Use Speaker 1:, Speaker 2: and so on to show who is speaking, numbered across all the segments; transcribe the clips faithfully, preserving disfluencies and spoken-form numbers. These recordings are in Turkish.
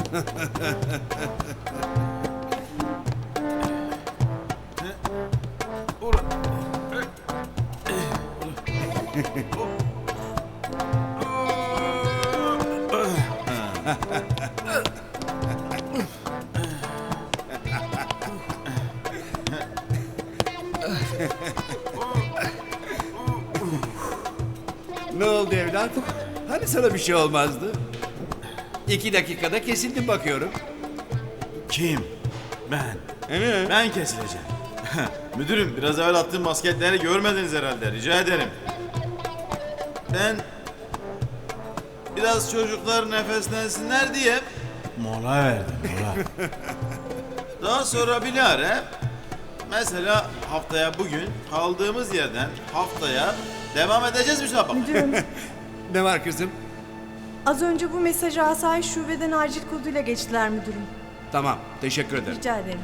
Speaker 1: Ne oldu evlat? Hani sana bir şey olmazdı? İki dakikada kesildim bakıyorum.
Speaker 2: Kim? Ben.
Speaker 1: He?
Speaker 2: Ben kesileceğim. Müdürüm, biraz evvel attığım basketleri görmediniz herhalde. Rica ederim. Ben biraz çocuklar nefeslensinler diye mola verdim, mola. Daha sonra bilahare mesela haftaya bugün kaldığımız yerden haftaya devam edeceğiz müsabaka.
Speaker 3: Müdürüm,
Speaker 1: Ne var kızım?
Speaker 3: az önce bu mesajı asayiş şubeden acil koduyla geçtiler müdürüm.
Speaker 1: Tamam, teşekkür ederim.
Speaker 3: Rica ederim.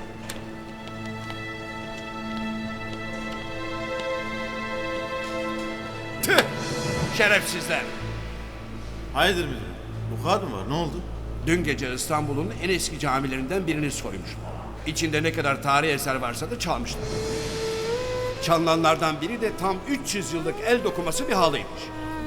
Speaker 1: Tüh! Şerefsizler!
Speaker 2: Hayırdır müdürüm? Bu kadar mı var? Ne oldu?
Speaker 1: Dün gece İstanbul'un en eski camilerinden birini soymuşlar. İçinde ne kadar tarihi eser varsa da çalmışlar. Çalınanlardan biri de tam üç yüz yıllık el dokuması bir halıymış.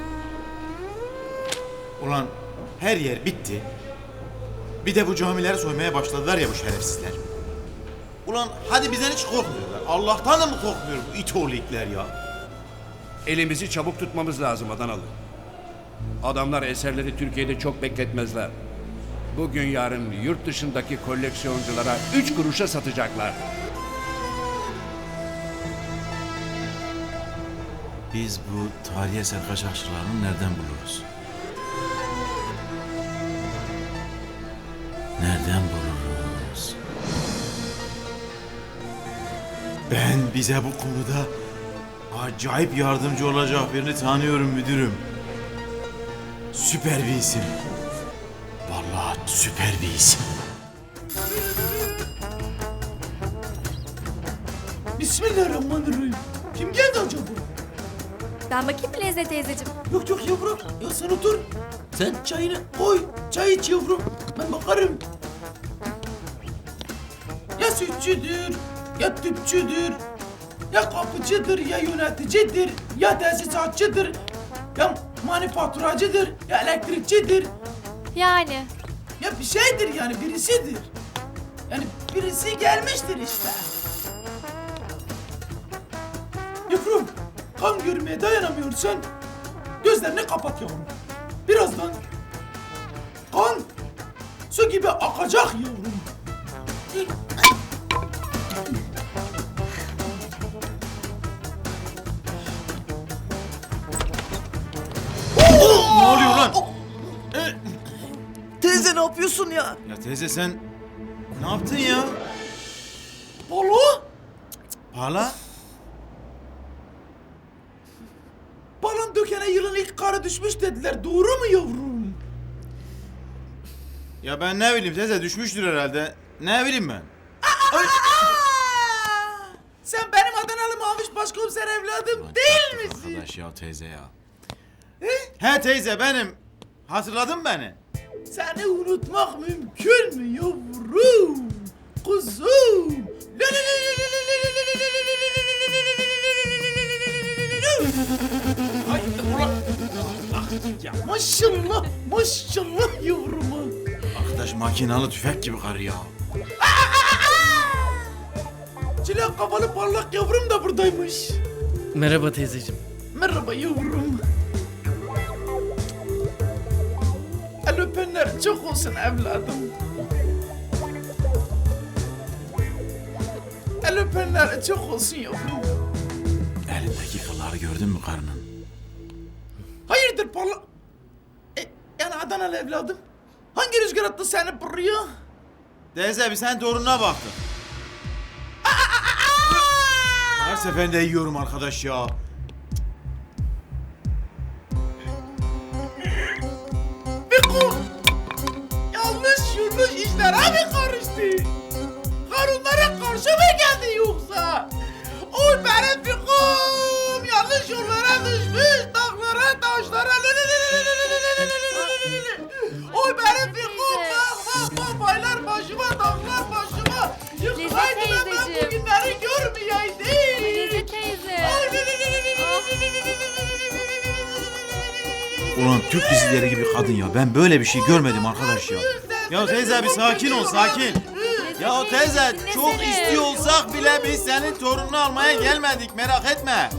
Speaker 2: Ulan her yer bitti. Bir de bu camileri soymaya başladılar ya bu şerefsizler. Ulan hadi bizden hiç korkmuyorlar. Allah'tan da mı korkmuyor bu it oğlu itler ya?
Speaker 1: Elimizi çabuk tutmamız lazım Adanalı. Adamlar eserleri Türkiye'de çok bekletmezler. Bugün yarın yurt dışındaki koleksiyonculara üç kuruşa satacaklar.
Speaker 2: Biz bu tarihi eser kaçakçılarını nereden buluruz? Nereden buluruz? Ben bize bu konuda acayip yardımcı olacak birini tanıyorum müdürüm. Süper bir isim. Vallahi süper bir isim.
Speaker 4: Bismillahirrahmanirrahim. Kim geldi acaba?
Speaker 5: Ben bakayım mı Lezzet teyzeciğim?
Speaker 4: Yok yok yavrum. Ya sen otur. Sen çayını koy. Çay iç yavrum. Ben bakarım. Ya sütçüdür, ya tüpçüdür, ya kapıcıdır, ya yöneticidir, ya tesisatçıdır, ya manifaturacıdır, ya elektrikçidir.
Speaker 5: Yani.
Speaker 4: Ya bir şeydir yani, birisidir. Yani birisi gelmiştir işte. Yavrum, kan görmeye dayanamıyorsan gözlerini kapat yavrum. Birazdan kan su gibi akacak yavrum.
Speaker 2: Ne oluyor lan?
Speaker 4: Teyze ne yapıyorsun ya?
Speaker 2: Ya teyze sen ne yaptın ya?
Speaker 4: Balo?
Speaker 2: Hala?
Speaker 4: Balon dökene yılın ilk karı düşmüş dediler. Doğru mu yavrum?
Speaker 2: Ya ben ne bileyim teyze, düşmüştür herhalde. Ne bileyim ben?
Speaker 4: Aa! Sen benim Adanalı Maviş Başkomiser evladım değil misin?
Speaker 2: Arkadaş ya teyze ya. He teyze benim. Hatırladın beni.
Speaker 4: Seni unutmak mümkün mü yavrum? Kuzum. Ay ulan. Ya maşallah maşallah yavruma.
Speaker 2: Arkadaş makinalı tüfek gibi karı ya.
Speaker 4: Çilek kafalı parlak yavrum da buradaymış.
Speaker 6: Merhaba teyzeciğim.
Speaker 4: Merhaba yavrum. El öpenler çok olsun evladım. El öpenler çok olsun yavrum.
Speaker 2: Elindeki kılları gördün mü karının?
Speaker 4: Hayırdır parla... E, yani Adanalı evladım. Hangi rüzgar attı seni buraya?
Speaker 2: Teyze bir sen torununa baktın. Her seferinde yiyorum arkadaş ya.
Speaker 4: Biko! Yanlış yanlış işler abi karıştı. Harunlara karşı mı geldi yoksa? Oy benim Biko'm yanlış yollara düşmüş, dağlara, taşlara. Oy benim Biko'm bak bak başıma, baylar başıma, dağlar başıma. Yıkılaydı da ben
Speaker 5: teyzeciğim.
Speaker 4: bugünleri görmeyeydim.
Speaker 5: Lezzet teyze.
Speaker 2: Ulan Türk dizileri gibi kadın ya. Ben böyle bir şey görmedim arkadaş ya. Ya teyze bir sakin ol, sakin. Ya teyze çok istiyor olsak bile biz senin torununu almaya gelmedik, merak etme.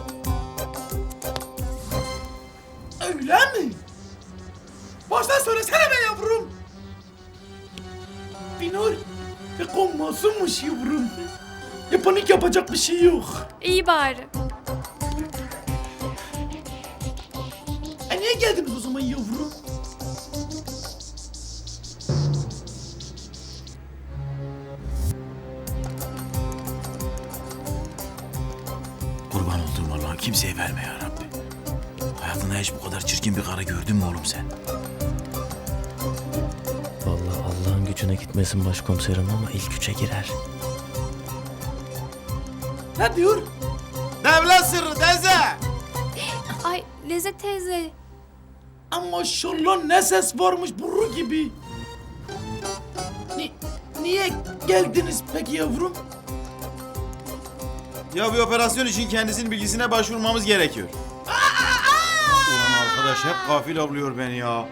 Speaker 4: Öyle mi? Baştan söylesene be yavrum. Binur ve konmasınmış yavrum. Ya panik yapacak bir şey yok.
Speaker 5: İyi bari.
Speaker 4: E niye geldiniz o zaman yavrum?
Speaker 2: Kurban olduğum Allah'ım kimseye verme ya Rabbi. Hayatında hiç bu kadar çirkin bir karı gördün mü oğlum sen?
Speaker 6: Vallahi Allah'ın gücüne gitmesin başkomiserim ama ilk üçe girer.
Speaker 4: Ne diyor?
Speaker 2: Devlet sırrı teyze.
Speaker 5: Ay Lezzet teyze.
Speaker 4: Ama maşallah ne ses varmış burru gibi. Ni niye geldiniz peki yavrum?
Speaker 2: Ya bir operasyon için kendisinin bilgisine başvurmamız gerekiyor. Ulan arkadaş hep gafil avlıyor beni ya.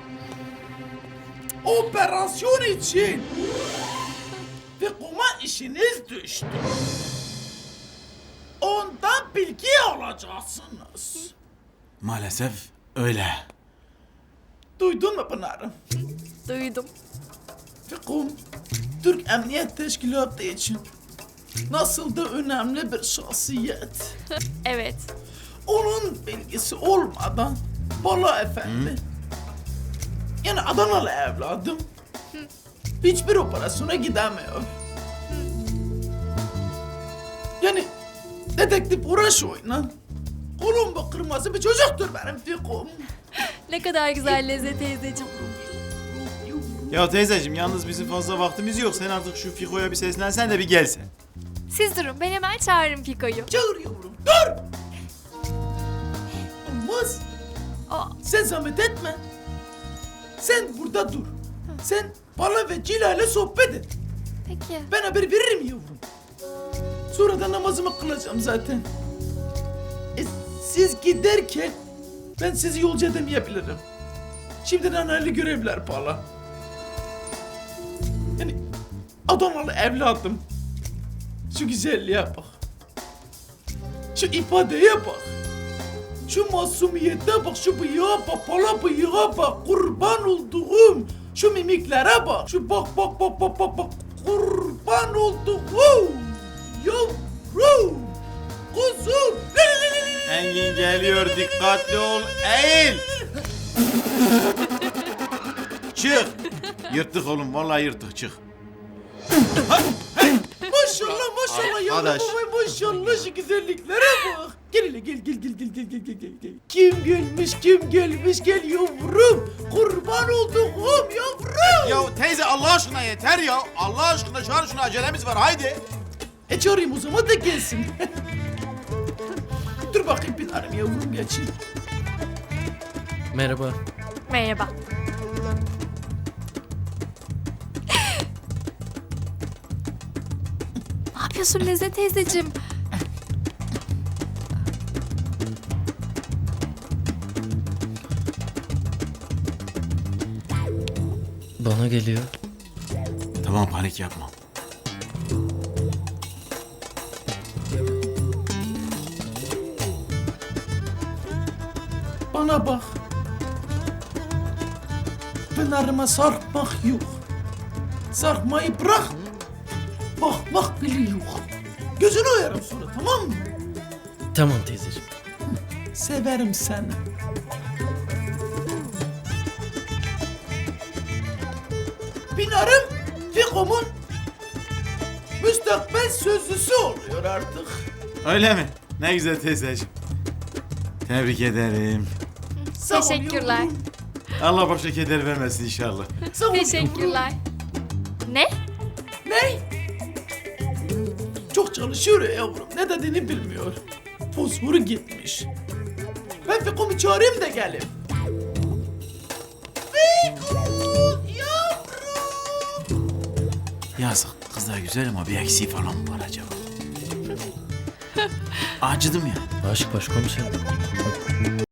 Speaker 4: Operasyon için. Ve kuma işiniz düştü. Ondan bilgi alacaksınız.
Speaker 2: Maalesef öyle.
Speaker 4: Duydun mu Pınar'ım?
Speaker 5: Duydum.
Speaker 4: Fikum, Türk Emniyet Teşkilatı için nasıl da önemli bir şahsiyet.
Speaker 5: Evet.
Speaker 4: Onun bilgisi olmadan Bala Efendi, yani Adanalı evladım, hiçbir operasyona gidemiyor. Yani dedektif uğraş oynan. Kolumba kırmızı bir çocuktur benim Fikum.
Speaker 5: Ne kadar güzel Lezzet teyzeciğim.
Speaker 2: Ya teyzeciğim yalnız bizim fazla vaktimiz yok. Sen artık şu Fiko'ya bir seslensen de bir gelsen.
Speaker 5: Siz durun ben hemen çağırırım Piko'yu.
Speaker 4: Çağır yavrum, dur! Olmaz.
Speaker 5: Aa,
Speaker 4: Sen zahmet etme. Sen burada dur. Sen Bala ve Cila ile sohbet et.
Speaker 5: peki.
Speaker 4: Ben haber veririm yavrum. Sonra da namazımı kılacağım zaten. E, siz giderken ben sizi yolcu edemeyebilirim. Şimdiden hayırlı görevler Bala. Yani Adanalı evladım. Şu güzelliğe bak. Şu ifadeye bak. Şu masumiyete bak, şu bıyığa bak, pala bıyığa bak, kurban olduğum. Şu mimiklere bak, şu bak bak bak bak bak bak, kurban olduğum. Yavrum, kuzum.
Speaker 2: Engin geliyor dikkatli ol. Eğil. Çık. Yırttık oğlum vallahi yırttık çık.
Speaker 4: Maşallah maşallah yavrum
Speaker 2: Arkadaş.
Speaker 4: babay maşallah şu güzelliklere bak. Gel hele gel gel gel gel gel gel gel gel gel. Kim gelmiş kim gelmiş gel yavrum. Kurban olduğum yavrum.
Speaker 2: Ya teyze Allah aşkına yeter ya. Allah aşkına çağır şunu acelemiz var haydi.
Speaker 4: E çağırayım o zaman da gelsin. Dur bakayım bir tanem yavrum geçeyim.
Speaker 6: Merhaba.
Speaker 5: Merhaba. Ne yapıyorsun Lezzet teyzeciğim?
Speaker 6: Bana geliyor.
Speaker 2: Tamam panik yapma.
Speaker 4: Bana bak. Pınarıma sarkmak yok. Sarkmayı bırak. Bakmak bile yok. Gözünü oyarım sonra tamam mı?
Speaker 6: Tamam teyzeciğim.
Speaker 4: Severim seni. Pınarım Fikom'un müstakbel sözlüsü oluyor artık.
Speaker 2: Öyle mi? Ne güzel teyzeciğim. Tebrik ederim.
Speaker 4: Sağ ol
Speaker 5: Teşekkürler.
Speaker 4: yavrum.
Speaker 2: Allah başka keder vermesin inşallah.
Speaker 4: Sağ ol
Speaker 5: Teşekkürler. Ne?
Speaker 4: yavrum. Ne? Çok çalışıyor ya yavrum. Ne dediğini bilmiyor. Fosforu gitmiş. Ben Fikom'u çağırayım da gelin. Fikom yavrum.
Speaker 2: Yazık. Kız da güzel ama bir eksiği falan mı var acaba? Acıdım ya.
Speaker 6: Aşk başkomiserim.